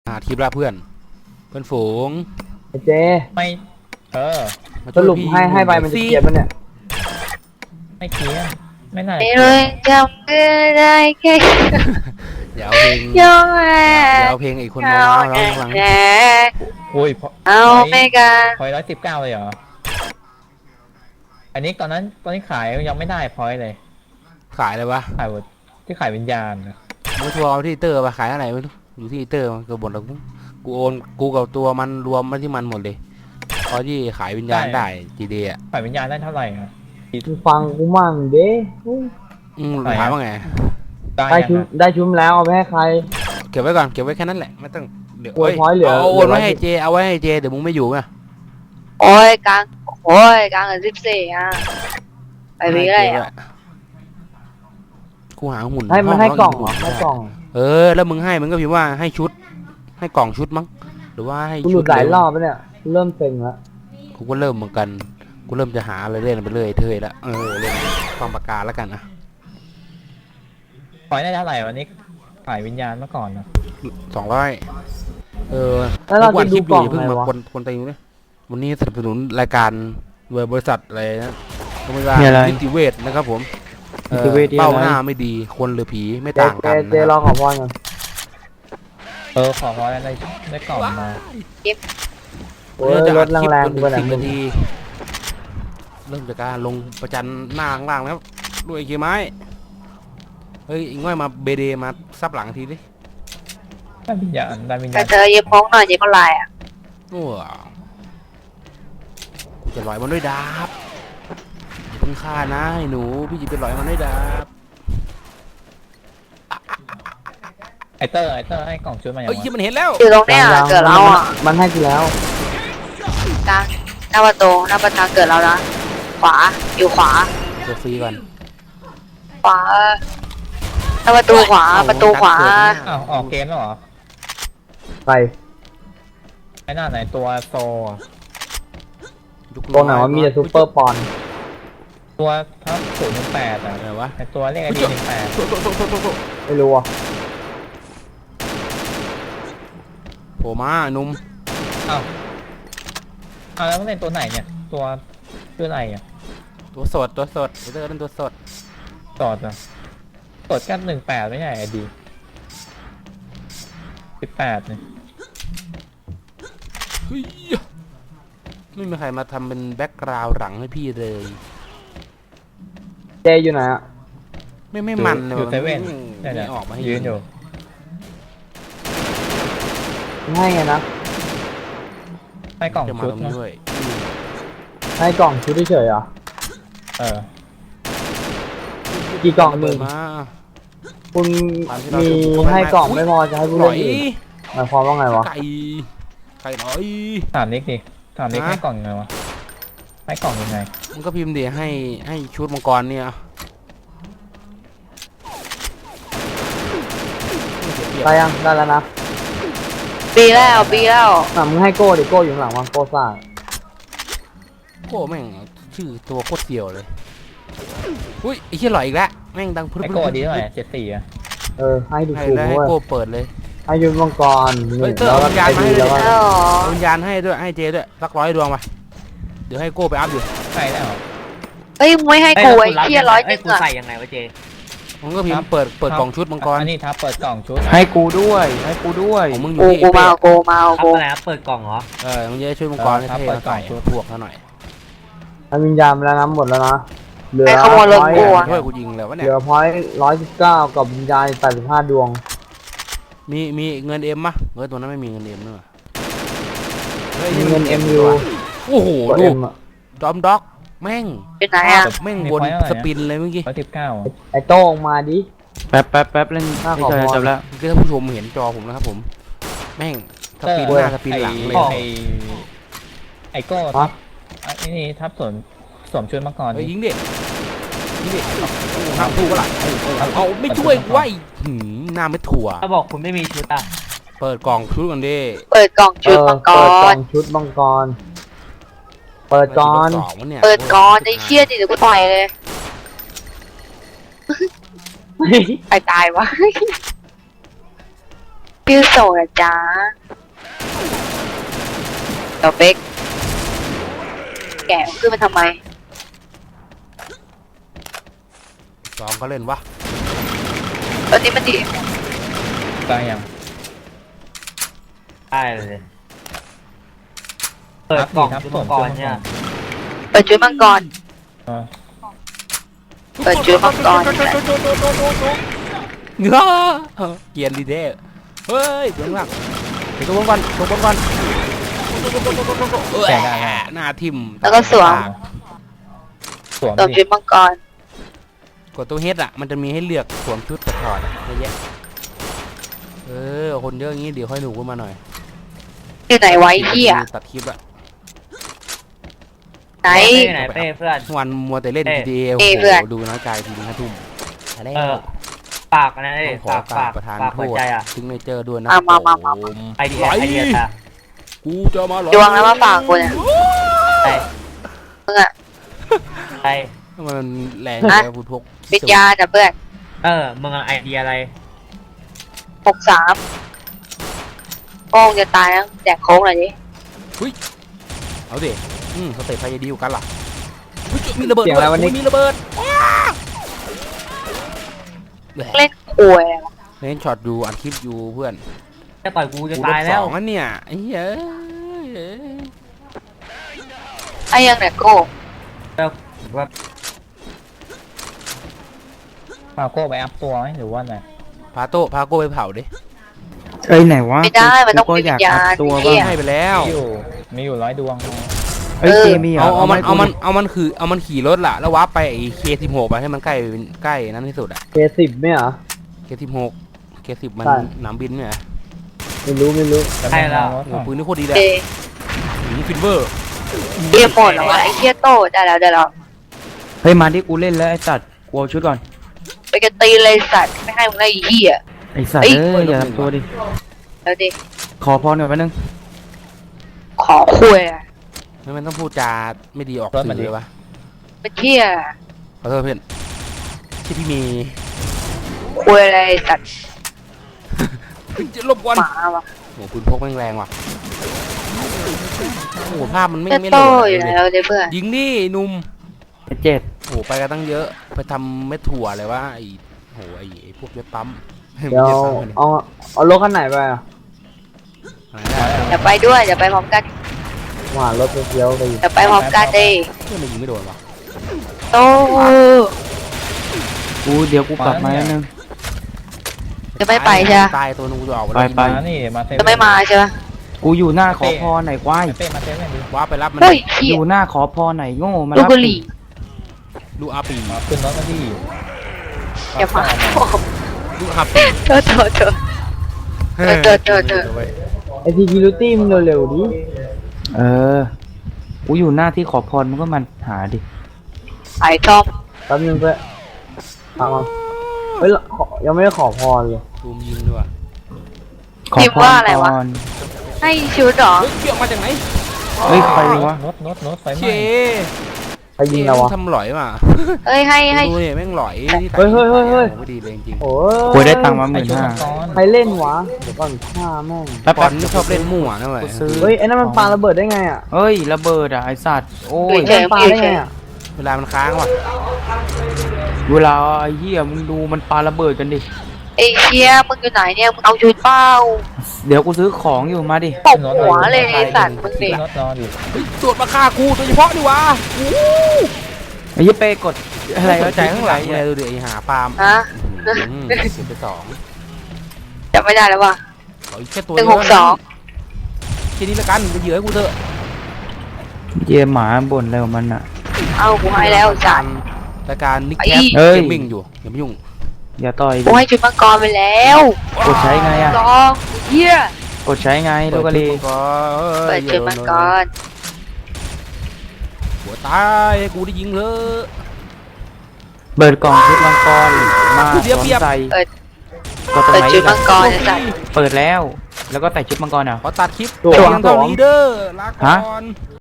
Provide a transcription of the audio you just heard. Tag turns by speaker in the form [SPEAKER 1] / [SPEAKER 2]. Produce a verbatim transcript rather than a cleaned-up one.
[SPEAKER 1] หาทีมละเพื่อนเพื่อนฝูง
[SPEAKER 2] ไอเจ
[SPEAKER 3] ไม่เออ
[SPEAKER 2] สรุปให้ให้ไปมันจะเกียร์มันเนี่ย
[SPEAKER 3] ไม่เคียนไม่น่า
[SPEAKER 4] ไม่รู้จำได้แค่
[SPEAKER 1] เดี๋ยวเพลงเดี๋ยวเพลงอีกคนมาร้องร้องหลัง
[SPEAKER 3] โอ้ย
[SPEAKER 4] เอาไม่กัน
[SPEAKER 3] พอยร้อยสิบเก้าเลยเหรออันนี้ตอนนั้นตอนนี้ขายยังไม่ได้พอยเลย
[SPEAKER 1] ขายเลยวะ
[SPEAKER 3] ขายที่ขายวิญญาณ
[SPEAKER 1] มือทัวร์ที่เตอร์มาขายอะไรไม่รู้อยู่ที่เตอร์มันก็บ่นแล้วกูโอนกูกับตัวมันรวมมาที่มันหมดเลยพอที่ขายวิญญาณได้จีเดีย
[SPEAKER 3] ขายวิญญาณได้เท่าไหร่อ่ะ
[SPEAKER 2] กูฟังกูมั่งเด้
[SPEAKER 1] อืมถามว่าไง
[SPEAKER 2] ได้ชุมได้ชุมแล้วเอาไปให้ใคร
[SPEAKER 1] เก็บไว้ก่อนเก็บไว้แค่นั้นแหละไม่ต้อง
[SPEAKER 2] เดี๋ยวเอา
[SPEAKER 1] โอนไว้ให้เจเอาไว้ให้เจเดี๋ยวมึงไม่อยู่ไง
[SPEAKER 4] โอ้ยกลางโอ้ยกลางกับสิบสี่อ่ะไปวิ่งอะไรอ่ะ
[SPEAKER 1] กูหาหุ่น
[SPEAKER 2] ให้มันให้กล่องให้กล่อง
[SPEAKER 1] เออแล้วมึงให้มึงก็พิมพ์ว่าให้ชุดให้กล่องชุดมั้งหรือว่าให้
[SPEAKER 2] ชุดหลายรอบแล้วเนี่ยเริ่มเซ็งแล้ว
[SPEAKER 1] กูก็เริ่มเหมือนกันกูเริ่มจะหาอะไรเล่นไปเรื่อยเทยแล้วเออเล่นความปากกาแล้วกันนะ
[SPEAKER 3] ปล่อยได้เท่าไหร่วันนี้ขายวิญญาณเมื่อก่อนนะ
[SPEAKER 1] สองร้อยเออ
[SPEAKER 2] แล้วเราจะดูกล่อง
[SPEAKER 1] เพิ่งมาคนคนตีด้วยวันนี้สนับสนุนรายการโดยบริษัทอะไรนะก็ไม่ว่านิติเวชนะครับผมเป้าหน้าไม่ดีคนหรือผีไม่ต่างกัน
[SPEAKER 2] เจลองขอพรกัน
[SPEAKER 3] เออขอพรอะไรได้กล่องมา
[SPEAKER 4] เก็บ
[SPEAKER 1] เริ่มจากคลิปจนถึงสิบนาทีเริ่มจากการลงประจันหน้าล่างแล้วด้วยกี่ไม้เฮ้ยอีกง่อยมาเบเดมาซับหลังทีดิ
[SPEAKER 3] ได้วิญญาณได้วิญญาณ
[SPEAKER 4] แต่เธอเย็บพ้องหน่อยเย็บก็ลายอ่ะ
[SPEAKER 1] โอ้กูจะลอยมันด้วยดาบอย่าเพิ่งฆ่านะไอ้หนูพี่จะไปลอยมันด้วยดาบ
[SPEAKER 3] ไอเตอร์ไอเตอร์ให้กล่องชุดมาอย่าง
[SPEAKER 1] เฮ้ยมันเห็นแล้ว
[SPEAKER 4] อยู่ตรงเนี้ยเกิดเราอ่ะ
[SPEAKER 2] มันให้กูแล้ว
[SPEAKER 4] กลางหน้าประตูหน้าประตูเกิดเรานะขวาอยู่ขวา
[SPEAKER 1] ตัวฟรีก่อน
[SPEAKER 4] ขวาหน้าประตูขวาประตูขวา
[SPEAKER 3] อ้าวออกเกมแล้วเหรอ
[SPEAKER 2] ไป
[SPEAKER 3] ไอ้หน้าไหนตัวโซ
[SPEAKER 2] ตัวไหนว่ามีแต่ซูเปอร์ปอน
[SPEAKER 3] ตัวทับศูนย์หนึ่งแปดอะ
[SPEAKER 1] อะไรวะ
[SPEAKER 3] ไอตัวเลขไอดีหนึ่งแปด
[SPEAKER 2] ไม่รู้อ่ะ
[SPEAKER 1] โผล่มาหนุ่ม
[SPEAKER 3] อ้าวอ้าวแล้วมันเป็นตัวไหนเนี่ยตัวตัวอะไรอ่ะ
[SPEAKER 1] ตัวสดตัวสดเตอร์นั่นตัวสด
[SPEAKER 3] สดอ่ะสดกันหนึ่งแปดไม่ใช่ไอดีสิบแปดเนี่ย
[SPEAKER 1] เฮ้ยไม่มีใครมาทำเป็นแบ็กกราวด์หลังให้พี่เลย
[SPEAKER 2] เจอยู่ไหนอ่ะ
[SPEAKER 1] ไม่ไม่มันเลย
[SPEAKER 3] อยู่เซเว่น
[SPEAKER 1] ไม่ออกมาให้
[SPEAKER 3] ยืนอยู่
[SPEAKER 2] ให้ไงนะ
[SPEAKER 3] ให้กล่องชุด
[SPEAKER 1] ด้วย
[SPEAKER 2] ให้กล่องชุดเฉยเหรอ
[SPEAKER 3] เออ
[SPEAKER 2] กี่กล่องมึง
[SPEAKER 1] มา
[SPEAKER 2] คุณมีให้กล่องไม่พอจะให้ผู้เล่นอีกหมายความว่าไงวะ
[SPEAKER 1] ไก่ไก่หน่อย
[SPEAKER 3] ถามนิกดิถามนิกให้กล่องยังไงวะให้กล่องยังไง
[SPEAKER 1] มันก็พิมพ์เดี๋ยวให้ให้ชุดมังกรเนี่ย
[SPEAKER 2] ได้ยังได้แล้วนะ
[SPEAKER 4] ปีแล้วปีแล้ว
[SPEAKER 2] อ่ะมึงให้โก้ดิโก้อยู่หลังวังโก้ซ่า
[SPEAKER 1] โก้แม่งชื่อตัวโคตรเสี่ยวเลยอุ้ยไอ้เหี้ยหล่อยอีกแล้วแม่งดัง
[SPEAKER 3] พึ่งไอ้โก้ดีหน่อยเจ็ดสี่อะ
[SPEAKER 2] เออให้ดู
[SPEAKER 1] ถูกด้วยให้โก้เปิดเลย
[SPEAKER 2] ให้ยืนมังกร
[SPEAKER 1] แล้ววิญญาณให้ด้วยวิญญาณให้ด้วยให้เจด้วยสักร้อยดวงไปเดี๋ยวให้โก้ไปอัพอยู่
[SPEAKER 3] ใช่แล้ว
[SPEAKER 4] เฮ้ยไม่ให้กูไอ้เหี้ยร้อยนึง
[SPEAKER 5] อะใส่ยังไงวะเจ
[SPEAKER 1] มันก็พิมพ์เปิดเปิดกล่องชุดมังกร
[SPEAKER 3] อันนี้ทับเปิดกล่องชุด
[SPEAKER 2] ให้กูด้วยให้กูด้วย
[SPEAKER 1] มึงอ
[SPEAKER 4] ยู่ที่กูมากูมา
[SPEAKER 5] กูอะไรครับเปิดกล่องเหรอ
[SPEAKER 1] เออมึงจะช่วยมังกรให้เปิดกล่องชุดพวกเขาหน่อย
[SPEAKER 2] ให้วิญญาณแล้วน้ำหมดแล้วนะ
[SPEAKER 4] เหลือร้อย
[SPEAKER 1] ช่วยกูยิงแล้ววะเนี่ย
[SPEAKER 2] เหลือพอยร้อยสิบเก้ากับวิญญาณแปดสิบห้าดวง
[SPEAKER 1] มีมีเงินเอ็มมะเงินตัวนั้นไม่มีเงินเอ็มเนอะ
[SPEAKER 2] มีเงินเอ็มอยู่
[SPEAKER 1] โอ้โหดูดอมด็อกแม่ง
[SPEAKER 4] เป็นไหนอ่ะ
[SPEAKER 1] แม่งบนสปินเลยเมื่อกี้
[SPEAKER 3] ร้อยสิบเก้า
[SPEAKER 2] ไอโต้งมาดิ
[SPEAKER 5] แป๊บแป๊บแป๊บเล่นข้าขอพรจบแล้ว
[SPEAKER 1] คือท่านผู้ชมเห็นจอผมนะครับผมแม่งสปินหน้าสปินหลังเลย
[SPEAKER 3] ไอไอโก้ทับอันนี้ทับส่วนสวมชุดมาก่อน
[SPEAKER 1] ยิงเด็กยิงเด็กทำถูกปะล่ะเอาไม่ช่วยไว้หน้าไม่ถั่ว
[SPEAKER 5] ถ้าบอกคุณไม่มีชุดอ่ะ
[SPEAKER 1] เปิดกล่องชุดกันดิ
[SPEAKER 4] เปิดกล่องชุดมังกร
[SPEAKER 2] เปิดกล่องชุดมังกรเปิดก่อน
[SPEAKER 4] เปิดก่อนไอ้เชี่ยดิเดี๋ยวกูต่อยเลยใครตายวะชื่อโสดอะจ้าเดี๋ยวเป๊กแกะขึ้นมาทำไม
[SPEAKER 1] สองก็เล่นวะ
[SPEAKER 4] ตอนนี้มันดี
[SPEAKER 3] กลางยัง
[SPEAKER 5] ได้เลย เปิดกล่องชุดมังกรเนี่ย
[SPEAKER 4] เปิดจุดมังกร
[SPEAKER 3] อ๋อ
[SPEAKER 4] เปิดจุดมังกร
[SPEAKER 1] เงื้อเกียร์ลีเดอร์เฮ้ยเบื้องหลังไปตัวบนก่อนตัวบนก่อนเออหน้าทิ่ม
[SPEAKER 4] แล้วก็สวม
[SPEAKER 3] สวม
[SPEAKER 4] สวม
[SPEAKER 3] ดิ
[SPEAKER 4] จุดมังกร
[SPEAKER 1] กดตัวเฮดอ่ะมันจะมีให้เลือกสวมชุดกับถอดอะเยอะแยะเออคนเยอะอย่างงี้เดี๋ยวค่อยหนูขึ้นมาหน่อย
[SPEAKER 4] อยู่ไหนไว้เหี้ย
[SPEAKER 1] ตัดคลิปอะ
[SPEAKER 4] ไหน
[SPEAKER 5] เป้ไหนเป้เพื่อน
[SPEAKER 1] วันมัวแต่เล่น
[SPEAKER 5] เอ้
[SPEAKER 1] จี
[SPEAKER 5] ย
[SPEAKER 1] ทีเอโอ้
[SPEAKER 4] เอ้ย
[SPEAKER 1] โห
[SPEAKER 4] เพื่อน
[SPEAKER 1] ดูน้อยใจทีนึงห้าทุ่มอะไร
[SPEAKER 5] เออฝากนะเอ้ย
[SPEAKER 1] ต้องขอ
[SPEAKER 5] ฝาก
[SPEAKER 1] กรา
[SPEAKER 5] ฝา
[SPEAKER 1] บ
[SPEAKER 5] ก
[SPEAKER 1] ประธานโทษ
[SPEAKER 5] ฝากหัวใจอ่ะ
[SPEAKER 1] ซิงเนเจอร์ด้วยนะ
[SPEAKER 4] อ่ะมามามา
[SPEAKER 1] ผม
[SPEAKER 5] ไอเดีย
[SPEAKER 1] ไหล
[SPEAKER 5] ไอเดียอ่ะ
[SPEAKER 1] กูจะมาหรอ
[SPEAKER 4] ดวงแล้วมาฝากกูเนี่ย
[SPEAKER 5] ไป
[SPEAKER 4] มึงอะ
[SPEAKER 5] ไป
[SPEAKER 1] มันแรง
[SPEAKER 4] ฮะ
[SPEAKER 1] เลยพูดพก
[SPEAKER 4] ปิดยาจ้ะเพื่อน
[SPEAKER 5] เออมึงเอาไอเดียอะไร
[SPEAKER 4] หกสามโป้งจะตายแล้วแจกโค้งหน่อยดิ
[SPEAKER 1] เอาดิอืมเขาเตะพายดีอยู่กันล่ะเฮ้ยมีระเบิด
[SPEAKER 2] เสียงอะไรวะนี่
[SPEAKER 1] โยมีระเบิด
[SPEAKER 4] เล่นควยอะ
[SPEAKER 1] เล่นช็อตอยู่อัดคลิปอยู่เพื่อน
[SPEAKER 5] จะต่อยกูจะ
[SPEAKER 1] กู
[SPEAKER 5] ตาย
[SPEAKER 1] ลบ
[SPEAKER 5] แล้
[SPEAKER 1] ส
[SPEAKER 5] ว
[SPEAKER 1] องแล้วเนี่ยไอ้เหี้ย
[SPEAKER 4] ไอ้ยังเนี่ยโก้
[SPEAKER 5] ว่า
[SPEAKER 3] มาโก้ไปอัพตัวไหมหรือว่าไง
[SPEAKER 1] พาโต้พาโก้ไปเผาดิ
[SPEAKER 2] เอ้ยไหนวะ
[SPEAKER 4] ไม่ได้มันต้อง
[SPEAKER 2] กู
[SPEAKER 4] มี
[SPEAKER 2] ก็
[SPEAKER 4] วิ
[SPEAKER 2] อยาก
[SPEAKER 4] ญญา
[SPEAKER 2] อัพ
[SPEAKER 4] ณ
[SPEAKER 2] ตัว
[SPEAKER 4] เหี้
[SPEAKER 2] บ้าง
[SPEAKER 4] ย
[SPEAKER 1] ให้ไปแล้ว
[SPEAKER 3] มีอยู่มีอยู่ร้อยดวง
[SPEAKER 2] เอ้ย
[SPEAKER 4] เออ
[SPEAKER 2] เจมี่เหร
[SPEAKER 1] เอา
[SPEAKER 2] อ
[SPEAKER 1] เอามัน
[SPEAKER 2] ให้
[SPEAKER 1] เอา
[SPEAKER 2] กู
[SPEAKER 1] มันเอามันคือเอามันขี่รถล่ะแล้ววาร์ปไปไอ้เคสิบหกไปให้มันใกล้ใกล้นั้นที่สุดอะ
[SPEAKER 2] เคสิบไหมเหรอ
[SPEAKER 1] เคสิบหกเคสิบมัน
[SPEAKER 2] ใช่
[SPEAKER 1] หนามบินเนี่ย
[SPEAKER 2] ไม่รู้ไม่รู้
[SPEAKER 3] จะไม่เอารถ
[SPEAKER 1] โอ้
[SPEAKER 3] หน่อย
[SPEAKER 1] ปืนนี่โคตรดีเลย
[SPEAKER 4] เด
[SPEAKER 1] หืมฟินเวอร์
[SPEAKER 4] เดียหมดแล้ววะไอ้เหี้ยโตได้แล้วได้แล้ว
[SPEAKER 2] เฮ้ยมาที่กูเล่นแล้วไอ้สัตว์กูเอาชุดก่อน
[SPEAKER 4] ไปกันตีเลยสัตว์ไม่ให้มึงได้ไอ้เหี้ย
[SPEAKER 2] ไอ้สัตว์
[SPEAKER 4] เอ้ย
[SPEAKER 2] เอ้ยอย่าทำตัวดิ
[SPEAKER 4] แล้วดิ
[SPEAKER 2] ขอพรหน่อยแป๊บนึง
[SPEAKER 4] ขอคุยอะ
[SPEAKER 1] ไม่มันต้องพูดจาไม่ดีออกสื่อเลยวะ
[SPEAKER 4] เป็นเหี้ย
[SPEAKER 1] ขอโทษเพื่อนที่พี่เมย์
[SPEAKER 4] คุยอะไรไอ้สัตว์
[SPEAKER 1] จะลบวัน
[SPEAKER 4] หมาวะ
[SPEAKER 1] โอ้ปืนพกแม่งแรงว่ะโอ้ภาพมันไม่
[SPEAKER 4] จะ
[SPEAKER 1] ไม่
[SPEAKER 4] โต
[SPEAKER 1] โหลด
[SPEAKER 4] อยู่
[SPEAKER 1] เลย
[SPEAKER 4] แล้วเด้เพื่อน
[SPEAKER 1] ยิงดิหนุ่ม
[SPEAKER 2] ไอ้เจ็ด
[SPEAKER 1] โอ้ไปกันตั้งเยอะไปทำเม็ดถั่วอะไรวะไอ้โหไอ้ไอ้พวกเว็บปั๊ม
[SPEAKER 2] เดี๋ยว
[SPEAKER 1] ไม่ใช่ปั๊ม
[SPEAKER 2] เอาเอารถคันไหนไปอ่ะ
[SPEAKER 1] อะไรได้
[SPEAKER 4] เดี๋ยวไปด้วยเดี๋ยวไปพร้อมกัน
[SPEAKER 2] หวานรถเฟี้ยวๆไปอีก
[SPEAKER 4] เดี๋ยวไปพร้อมกันดิ
[SPEAKER 1] เพื่อนมันยิงไม่โดนวะ
[SPEAKER 4] โต
[SPEAKER 2] กูเดี๋ยวกูกลับมาแล้วนึง
[SPEAKER 4] จะไม่ไปใช่ไหม
[SPEAKER 1] ตายตัวนึงกูจะออก
[SPEAKER 2] ไปไป
[SPEAKER 3] มานี่มาเซเว่น
[SPEAKER 4] จะไม่มาใช่ไหม
[SPEAKER 2] กูอยู่หน้าขอพรไหนควาย
[SPEAKER 3] เป้มาเซเว่นดิ
[SPEAKER 1] ว้าไปรับมัน
[SPEAKER 4] เฮ้ย
[SPEAKER 2] อ
[SPEAKER 4] เหี้ย
[SPEAKER 2] ยู่หน้าขอพรไหนโง่มา
[SPEAKER 4] ลูก
[SPEAKER 2] รับ
[SPEAKER 4] บุหรี่
[SPEAKER 1] ลูกอาปี
[SPEAKER 3] มาขึ้นรถมาดิ
[SPEAKER 4] อย่ามา
[SPEAKER 1] ลูกอาปี
[SPEAKER 4] เธอเธอเธอ เออเจอเจอเจอ
[SPEAKER 2] ไอทีกิลูตี้มึงเร็วๆดิเออกูอยู่หน้าที่ขอพรมึงก็มันหาดิ
[SPEAKER 4] ไอ้ทอม
[SPEAKER 2] แป๊บนึงเพื่อนฟังมาเฮ้ยขอยังไม่ได้ขอพรเลย
[SPEAKER 1] ตูมยิงด้วย
[SPEAKER 2] ขอพรก่อน
[SPEAKER 4] ให้ชุดเหรอ
[SPEAKER 1] เฮ้ยเกี่ยวมาจากไหน
[SPEAKER 2] เฮ้ยใครวะ
[SPEAKER 3] รถรถรถไฟไห
[SPEAKER 1] เช
[SPEAKER 3] ม้
[SPEAKER 2] ใครยิงเราวะ
[SPEAKER 1] ทำหลอยมา
[SPEAKER 4] เอ้ยให้ให้
[SPEAKER 1] ดูเนี่ยแม่งหลอยที่
[SPEAKER 2] เฮ้ยเฮ้ยเฮ้ยเฮ้ย
[SPEAKER 1] ไม่ดีเลยจริง
[SPEAKER 2] โอ้
[SPEAKER 5] กูได้ตังค์มาห
[SPEAKER 3] ไอ
[SPEAKER 5] มื่น
[SPEAKER 3] ชุด
[SPEAKER 5] ห้า
[SPEAKER 3] มังกร
[SPEAKER 2] ใครเล่นวะเดี๋ยวก่อนฆ่าแม่ง
[SPEAKER 1] ๆบอลนี่ชอบเล่นมั่วนะเว้ย
[SPEAKER 2] เฮ้ยไอ้นั่นมันปาระเบิดได้ไงอ่ะ
[SPEAKER 5] เฮ้ยระเบิดอ่ะไอสัตว์โอ้ย
[SPEAKER 4] เฉย
[SPEAKER 2] ปา
[SPEAKER 4] ๆ
[SPEAKER 2] ได้
[SPEAKER 4] เฉ
[SPEAKER 2] ไง
[SPEAKER 4] ย
[SPEAKER 2] อ่ะ
[SPEAKER 1] เวลามันค้างว่ะ
[SPEAKER 5] เวลาไอ้เหี้ยมึงดูมันปาระเบิดกันดิ
[SPEAKER 4] ไอ้เชี่ยมึงอยู่ไหนเนี่ยมึงเอาชุดเปล่า
[SPEAKER 5] เดี๋ยวกูซื้อของอยู่มาดิ
[SPEAKER 4] ตบหัวเลยไอ้สัตว์มึง
[SPEAKER 3] ขึ้
[SPEAKER 4] ดิ
[SPEAKER 3] นรถนอนดิ
[SPEAKER 1] เฮ้ยตรวจมาฆ่ากูโดยเฉพาะดิวะ
[SPEAKER 5] ไอ้ยี่เป้กดอะไรก็ใจข้างหลัง
[SPEAKER 1] เนี่
[SPEAKER 5] เนี่ย ย
[SPEAKER 1] ดูดิไอ้หาปาล์ม
[SPEAKER 4] ฮะ
[SPEAKER 1] อืมเก็บไปสอง
[SPEAKER 4] จำไม่ได้แล้วว่ะ
[SPEAKER 1] ขออีกแค่ตัว
[SPEAKER 4] หนึ่ง
[SPEAKER 1] เดี
[SPEAKER 4] ห
[SPEAKER 1] ยว
[SPEAKER 4] กสอง
[SPEAKER 1] แค่นี้ละกันไปเหยื่อให้กูเถอะ
[SPEAKER 5] เยี่ยหมาบ่นอะไรของมันอ่ะ
[SPEAKER 4] เอากูให้แล้วจัด
[SPEAKER 1] รายการนิก
[SPEAKER 4] ไอ้
[SPEAKER 1] แคท
[SPEAKER 5] เอ้
[SPEAKER 1] เก
[SPEAKER 5] ย
[SPEAKER 1] มมิ่งอยู่อย่ามายุ่ง
[SPEAKER 5] อย่าต่อยดิ
[SPEAKER 4] กูให้ชุดมังกรไปแล้ว
[SPEAKER 5] กดใช้ไงอ่ะ
[SPEAKER 4] ลองเหี้ย
[SPEAKER 5] กดใช้ไงลูกกะลี
[SPEAKER 4] เปิดชุดมังกร
[SPEAKER 1] หัวตายให้กูได้ยิงเถอะ
[SPEAKER 5] เปิดกล่องชุดมังกรมาส
[SPEAKER 1] เดี๋ยว
[SPEAKER 5] วม
[SPEAKER 1] เปรียบ
[SPEAKER 5] ใส่
[SPEAKER 4] เปิด
[SPEAKER 5] ก็ตรง
[SPEAKER 4] เปิด
[SPEAKER 5] ไหน
[SPEAKER 4] ชุด
[SPEAKER 5] กั
[SPEAKER 4] มัน งกรไอ้สัตว์
[SPEAKER 5] เปิดแล้ว แล้วก็ใส่ชุดมังกรอ่ะ
[SPEAKER 1] ขอตัดคลิป
[SPEAKER 2] ตัว
[SPEAKER 1] เพียงเท่านี้เด้อลาก่อน